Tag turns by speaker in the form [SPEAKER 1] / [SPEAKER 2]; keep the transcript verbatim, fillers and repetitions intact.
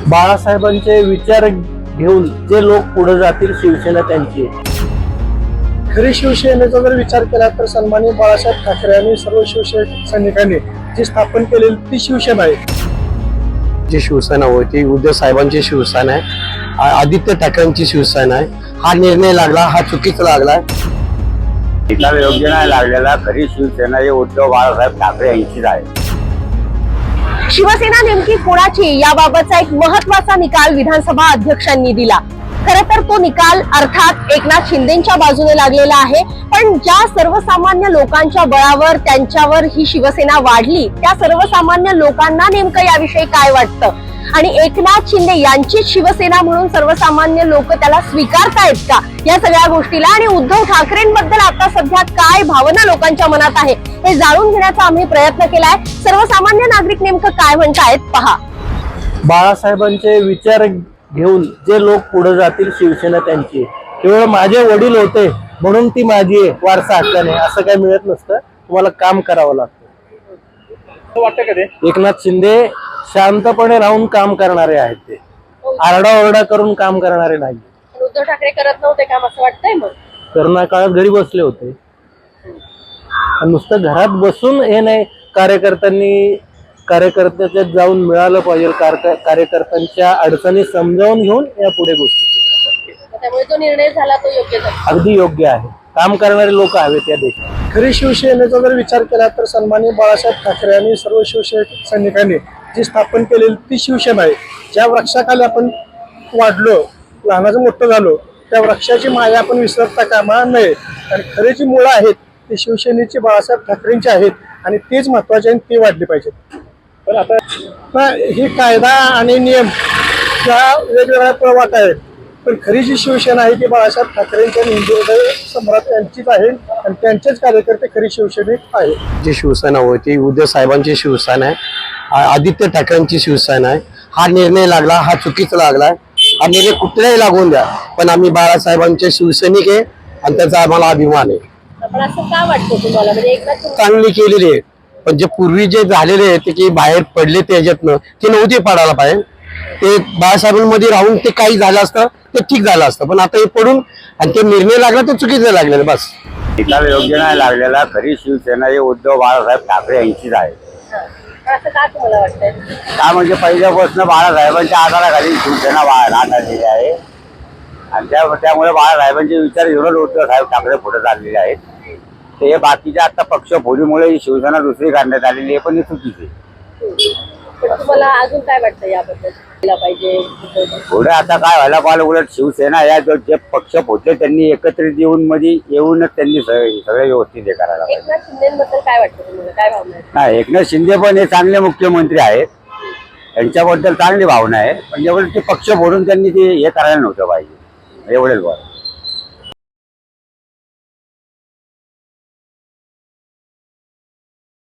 [SPEAKER 1] बाळासाहेबांचे विचार घेऊन जे लोक पुढे जातील शिवसेना त्यांची आहे.
[SPEAKER 2] खरी शिवसेनेचा जर विचार केला तर सन्माननीय बाळासाहेब ठाकरे आणि सर्व शिवसैनिकांनी जी स्थापन केलेली ती शिवसेना आहे.
[SPEAKER 3] जी शिवसेना होती उद्धव साहेबांची शिवसेना आहे, आदित्य ठाकरेंची शिवसेना आहे. हा निर्णय लागला हा चुकीचा लागला.
[SPEAKER 4] निकाल योग्य नाही लागलेला. खरी शिवसेना हे उद्धव बाळासाहेब ठाकरे यांचीच आहे.
[SPEAKER 5] शिवसेना नेमकी कोणाची याबाबतचा एक महत्वाचा निकाल विधानसभा अध्यक्षांनी दिला. खरं तर तो निकाल अर्थात एकनाथ शिंदेच्या बाजूने लागलेला आहे, पण ज्या सर्वसामान्य लोकांच्या बळावर त्यांच्यावर ही शिवसेना वाढली त्या सर्वसामान्य लोकांना नेमकं याविषयी काय वाटतं आणि एकनाथ शिंदे यांचीच शिवसेना म्हणून सर्वसामान्य लोक त्याला स्वीकारतायत का, या सगळ्या गोष्टीला आणि उद्धव ठाकरेंबद्दल आता सध्या काय भावना लोकांच्या मनात आहे हे जाणून घेण्याचा आम्ही प्रयत्न केलाय. सर्वसामान्य नागरिक नेमकं काय म्हणतायत पहा.
[SPEAKER 1] बाळासाहेबांचे विचार घेऊन जे लोक पुढे जातील शिवसेना त्यांची आहे. केवळ माझे वडील होते म्हणून ती माझी आहे वारसा हक्काने असं काही मिळत नसतं. तुम्हाला काम करावं लागतं.
[SPEAKER 2] वाटतं का ते?
[SPEAKER 1] एकनाथ शिंदे शांतपणे राहून काम करणारे आहेत. ते आरडाओरडा करून काम करणारे नाही.
[SPEAKER 5] उद्धव ठाकरे करत नव्हते काम असं वाटतंय. मग करोना
[SPEAKER 1] काळात घरी बसले होते. नुसतं घरात बसून हे नाही, कार्यकर्त्यांनी कार्यकर्त्याच्यात जाऊन मिळालं पाहिजे. कार्यकर्त्यांच्या अडचणी समजावून घेऊन या पुढे गोष्टी
[SPEAKER 5] त्यामुळे तो निर्णय झाला तो योग्य झाला.
[SPEAKER 1] अगदी योग्य आहे. काम करणारे लोक हवेत या देशात.
[SPEAKER 2] खरी शिवसेनेचा जर विचार केला तर सन्माननीय बाळासाहेब ठाकरे आणि सर्व शिवसैनिकांनी जी स्थापन केलेली ती शिवसेना आहे. ज्या वृक्षाखाली आपण वाढलो, लहानाचं मोठं झालो, त्या वृक्षाची माया आपण विसरता कामा नये. आणि खरी जी मुळं आहेत ती शिवसेनेची बाळासाहेब ठाकरेंची आहेत आणि तेच महत्वाचे आणि ते वाढले पाहिजेत. पण आता ही कायदा आणि नियम या वेगवेगळ्या प्रवाट आहेत, पण खरी जी शिवसेना आहे ती बाळासाहेब ठाकरेंच्या हिंदू सम्राट यांचीच आहे आणि त्यांचेच कार्यकर्ते खरी शिवसैनिक आहेत.
[SPEAKER 3] जी शिवसेना होती उद्धव साहेबांची शिवसेना आहे, आदित्य ठाकरेंची शिवसेना आहे. हा निर्णय लागला हा चुकीचा लागला. हा निर्णय कुठलाही लागून द्या, पण आम्ही बाळासाहेबांचे शिवसैनिक आहे आणि त्याचा आम्हाला अभिमान आहे.
[SPEAKER 5] पण असं का वाटतं तुम्हाला? म्हणजे एकनाथ
[SPEAKER 3] चांगली केलेली आहे, पण जे पूर्वी जे झालेले आहे ते की बाहेर पडले त्याच्यातनं ते नव्हते पडायला पाहिजे. ते बाळासाहेबांमध्ये राहून ते काही झालं असतं ते ठीक झालं असतं, पण आता हे पडून आणि ते निर्णय लागला तो चुकीचा लागलेला. बस
[SPEAKER 4] निकाल योग्य नाही लागलेला. खरी शिवसेना हे उद्धव बाळासाहेब ठाकरे यांचीच आहे.
[SPEAKER 5] असं का तुम्हाला वाटतंय?
[SPEAKER 4] का म्हणजे पहिल्यापासून बाळासाहेबांच्या आधाराखाली शिवसेना राहणारी आहे आणि त्या त्यामुळे बाळासाहेबांचे विचार घेऊन उद्धव साहेब ठाकरे पुढे चाललेले आहेत. ते बाकीच्या आता पक्ष फोडीमुळे ही शिवसेना दुसरी काढण्यात आलेली आहे, पण हे चुकीचे.
[SPEAKER 5] पण तुम्हाला अजून काय वाटतं याबद्दल केला पाहिजे?
[SPEAKER 4] पुढे आता काय व्हायला पाहिजे, उलट शिवसेना या जो जे पक्ष फोडले त्यांनी एकत्रित येऊन मध्ये येऊनच त्यांनी सगळे व्यवस्थित हे करायला पाहिजे.
[SPEAKER 5] एकनाथ शिंदेबद्दल काय वाटतं तुम्हाला? काय भावना आहे?
[SPEAKER 4] नाही, एकनाथ शिंदे पण हे चांगले मुख्यमंत्री आहेत, त्यांच्याबद्दल चांगली भावना आहे, पण एवढं ते पक्ष फोडून त्यांनी ते हे करायला नव्हतं पाहिजे. एवढेच बरं.